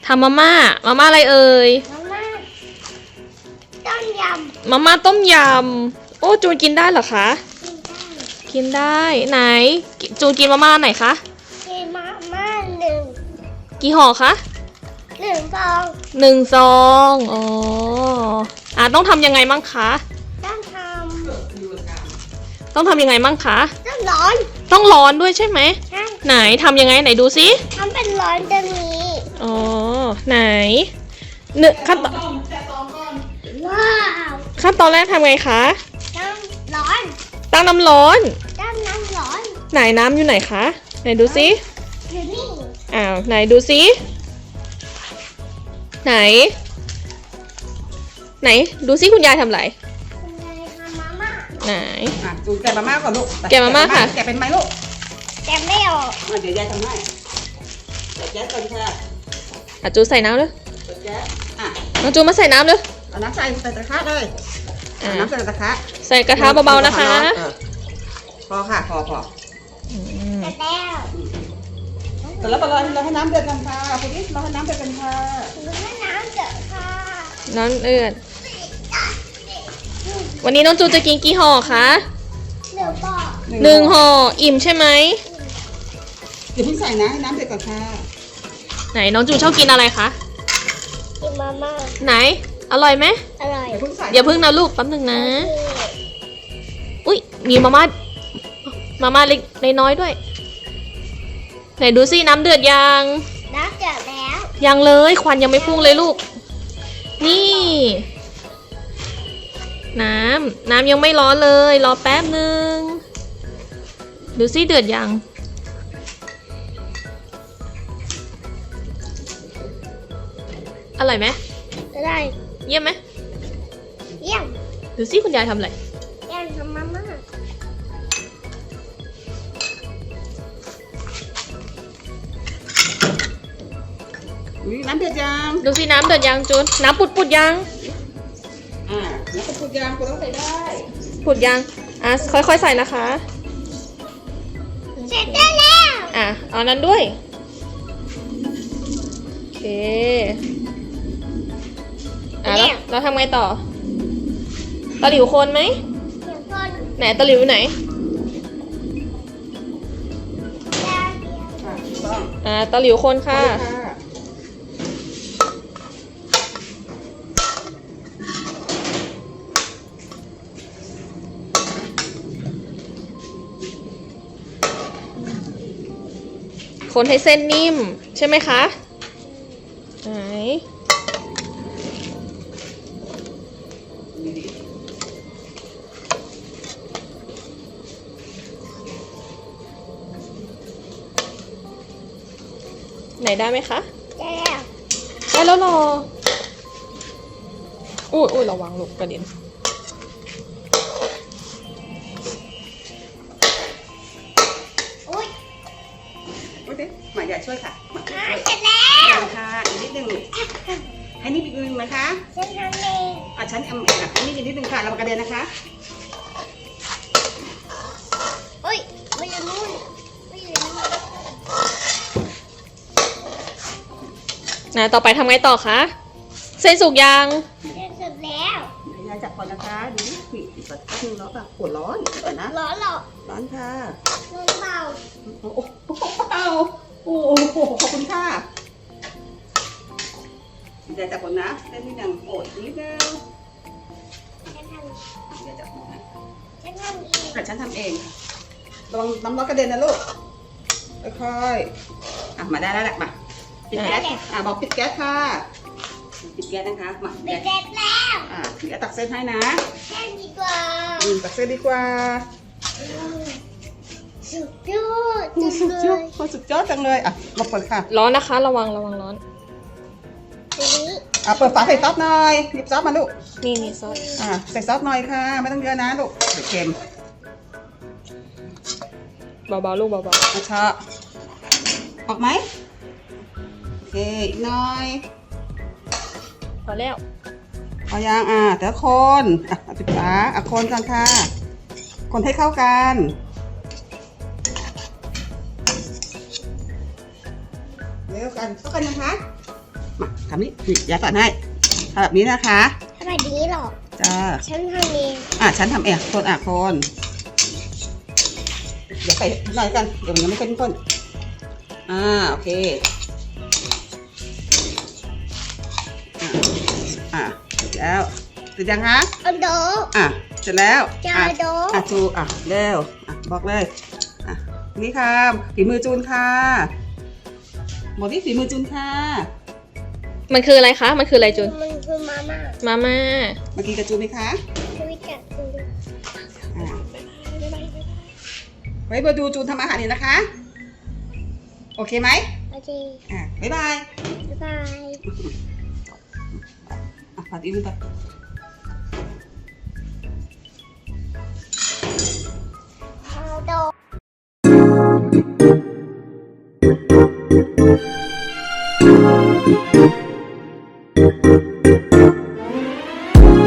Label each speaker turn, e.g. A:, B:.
A: ำมาม่าอะไรเอ่ย
B: มาม่าต้มย
A: มาม่าต้มยำโอ้จูนกินได้เหรอคะ
B: ำ
A: กินได้ไหนจูนกินมาม่าไหนคะ
B: กินมาม่าหนึ่ง
A: กี่ห่อคะ
B: ฟอง
A: 1 ซองอ๋อต้องทำยังไงมั่งคะ
B: ต้องท
A: ต้องทำยังไงมั่งคะ
B: ำต้องร้อน
A: ต้องร้อนด้วยใช่ไหม
B: ใช่
A: ไหนทำยังไงไหนดูซิ
B: ทำเป็นร้อนตรงนี้
A: อ๋อไหนหนึ่งขั้นตอน
B: ว้าว
A: ขั้นตอนแรกทำไงคะ
B: ต้องร้อน
A: ตั้งน้ำร้อน
B: ต้องน้ำร้อน
A: ไหนน้ำอยู่ไหนคะไหนดูซิ
B: อยู่นี่
A: ไหนดูซิไหนดูซิคุณยายทำอะไร
B: คุณยายทำมาม่า
A: ไหน
C: จูนแกะมาม่าก่อนลูก
A: แกะมาม่าค่ะ
C: แกะเป็นไหมลูก
B: แต่ไม่ออก
C: เดี๋ยวยายทำให้เดี๋ยวแก๊สก่อนค่ะ
A: จูใส่น้ำเลย
C: เดี๋ยวแก๊ส
A: น้องจูมาใส่น้ำเลย
C: เอาน้ำใส่กระทะเลยเอาน้ำใส่กระทะ
A: ใส่กระทะเบาๆนะคะ
C: พอค่ะพอ
B: แต่แล้ว
C: แต่แล้วเราให้น้ำเดือดกันค่ะคุณนี่เราให้น้ำเดือดกันค่ะ
B: หรือว่าน้ำเดือดค่ะ
A: น้ำเอือดวันนี้น้องจูจะกินกี่ห่อคะ
B: เดี๋ยวบอก
A: 1 ห่ออิ่มใช่ไหม
C: เดี๋ยวเพิ่งใส่นะให้น้ำเดือดก่อนค่ะ
A: ไหนน้องจูชอบกินอะไรคะ
B: กินมาม่า
A: ไหนอร่อยไหม
B: อร่อย
C: เดี๋ยวเพิ่งใส่
A: อย่าเพิ่งนะลูกแป๊บนึงนะอุ้ยมีมาม่าเล็กน้อยด้วยไหนดูสิน้ำเดือดยัง
B: น้ำเดือดแล้ว
A: ยังเลยควันยังไม่พุ่งเลยลูกนี่น้ำยังไม่ร้อนเลยรอแป๊บนึงดูสิเดือดยังอร่อยไหม
B: อร่อย
A: เยี่ยมไหม
B: เยี่ยม
A: ดูสิคุณยายทำอะไร
B: เยี่ยมทำมาม่า
C: น้ำเดือดยัง
A: ดูสิน้ำเดือดยังจูนน้ำปุดยัง
C: แล้วก็พูดยางคุณต้องใส่ได้
A: ปุดยังค่อยๆใส่นะคะ
B: เสร็จได้แล้ว
A: เอานั้นด้วยโอเคแล้วเราทำไงต่อตะหลิวคนไหม
B: เดี๋ยวก่อน
A: ไหนตะหลิวไหน
C: ถูกต้อง
A: ตะหลิวคนค่ะ คนให้เส้นนิ่มใช่ไหมคะไหนได้ไหมคะ
B: ได้แล้ว
A: ได้แล้วรออุ้ยระวังลูกกระเด็น
B: อุ้ย
C: โอเคหมาใหญ่ช่วยค่ะหมาช่วย
B: เสร็จแล้ว
C: ยังค่ะอีกนิดนึงให้นี่อีกนิดนึงนะคะ
B: ฉันทำเอง
C: ฉันเองให้นี่อีกนิดนึงค่ะเรากระเด็นนะคะ
B: อุ้ยไม่อยู่นู่นไม่อยู่นู่น
A: ต่อไปทำไงต่อคะเส้นสุกยัง
B: เสร็จแล้ว
C: ยายจับก่อนนะคะดูนี่ปิดก่อนแป๊บนึงเนาะปวดร้อนก่อนนะ
B: ร้อนเหรอ
C: ร้อนค่ะ
B: ร้อนเปล่า
C: โอ้โหโอ้โหขอบคุณค่ะยายจับก่อนนะเล่นนิดนึงโอ้ยนิดนึง
B: ฉันทำ
C: ยายจับก่อนนะ
B: ฉันทำเอง
C: ฉันทำเองระวังน้ำร้อนกระเด็นนะลูกค่อยๆมาได้แล้วแหละมาปิดแก๊สบอกปิดแก๊สค่ะปิดแก๊สนะคะมา
B: เสร็จแล้ว
C: เดี๋ยวตักเส้นให้นะ
B: แค่ดีกว่า
C: ตักเส้นดีกว่า
B: สุดยอดจัง
C: สุด
B: เลย
C: อดสุดยอดจังเลยมาเปิดค่ะ
A: ร้อนนะคะระวังร้อน
B: ทีนี้
C: เปิดฝาใส่ซอสหน่อยหยิบซอสมาลูก
A: นี่ซอส
C: ใส่ซอสหน่อยค่ะไม่ต้องเยอะนะลูกเดี๋ยวเค็ม
A: เบาๆลูกเบา
C: มาชะออกไหมโอเคอีกหน่อย
A: ๆพอแล้ว
C: เอายังแต่ละคนปิดฝาคนกันค่ะ คนให้เข้ากันเร็วกันเข้ากันยังคะมาทำนี่ยายสอนให้ทำแบบนี้นะคะ
B: ทำแบบนี้หรอ
C: จ้า
B: ฉันทำเอง
C: ฉันทำเองคนคนเดี๋ยวไปหน่อยกันเดี๋ยวมันยังไม่เข้มข้นโอเคเสร็จแล้วเสร็จยังคะ
B: อันโด
C: เสร็จแล้ว
B: จาโด
C: จูเร็วบอกเลยนี่ค่ะฝีมือจูนค่ะบอกที่ฝีมือจูนค่ะ
A: มันคืออะไรคะ มันคืออะไรจูน
B: มันคือมาม่า
A: มาม่า
C: มากินกับจูนไหมคะ
B: ชีวิตกับคุณ
C: ไว้มาดูจูนทำอาหารนี่นะคะ โอเคไหม
B: โอเค
C: บ๊ายบาย
B: บ๊ายบาย
C: ผัดอีกนิดต่อ
B: อันโด